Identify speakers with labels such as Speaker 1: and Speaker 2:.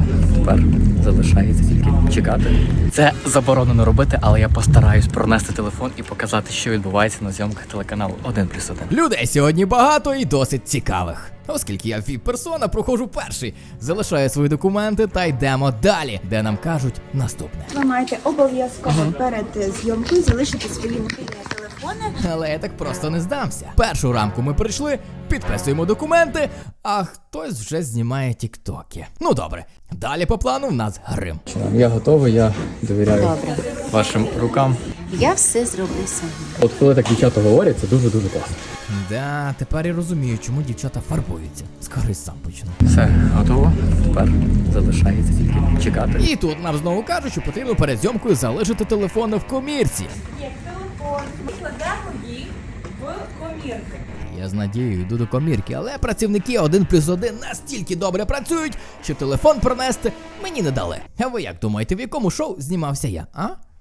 Speaker 1: готово. Тепер залишається тільки чекати. Це заборонено робити, але я постараюсь пронести телефон і показати, що відбувається на зйомках телеканалу 1+1.
Speaker 2: Людей сьогодні багато і досить цікавих. Оскільки я віп-персона, проходжу перший, залишаю свої документи та йдемо далі, де нам кажуть наступне.
Speaker 3: Ви маєте обов'язково перед зйомкою залишити свої мобільні телефони.
Speaker 2: Але я так просто не здамся. Першу рамку ми прийшли, підписуємо документи, а хтось вже знімає тіктоки. Ну добре, далі по плану в нас грим.
Speaker 1: Я готовий, я довіряю
Speaker 4: Добре.
Speaker 1: вашим рукам.
Speaker 4: Я все зроблю сама.
Speaker 1: От коли так дівчата говорять, це дуже-дуже класно.
Speaker 2: Да, тепер я розумію, чому дівчата фарбуються. Скоро сам почну.
Speaker 1: Все, готово. Тепер залишається тільки чекати.
Speaker 2: І тут нам знову кажуть, що потрібно перед зйомкою залишити телефони в комірці.
Speaker 5: Телефон, ми кладемо їх в комірки.
Speaker 2: Я з надією йду до комірки, але працівники 1+1 настільки добре працюють, що телефон пронести мені не дали. А ви як думаєте, в якому шоу знімався я, а?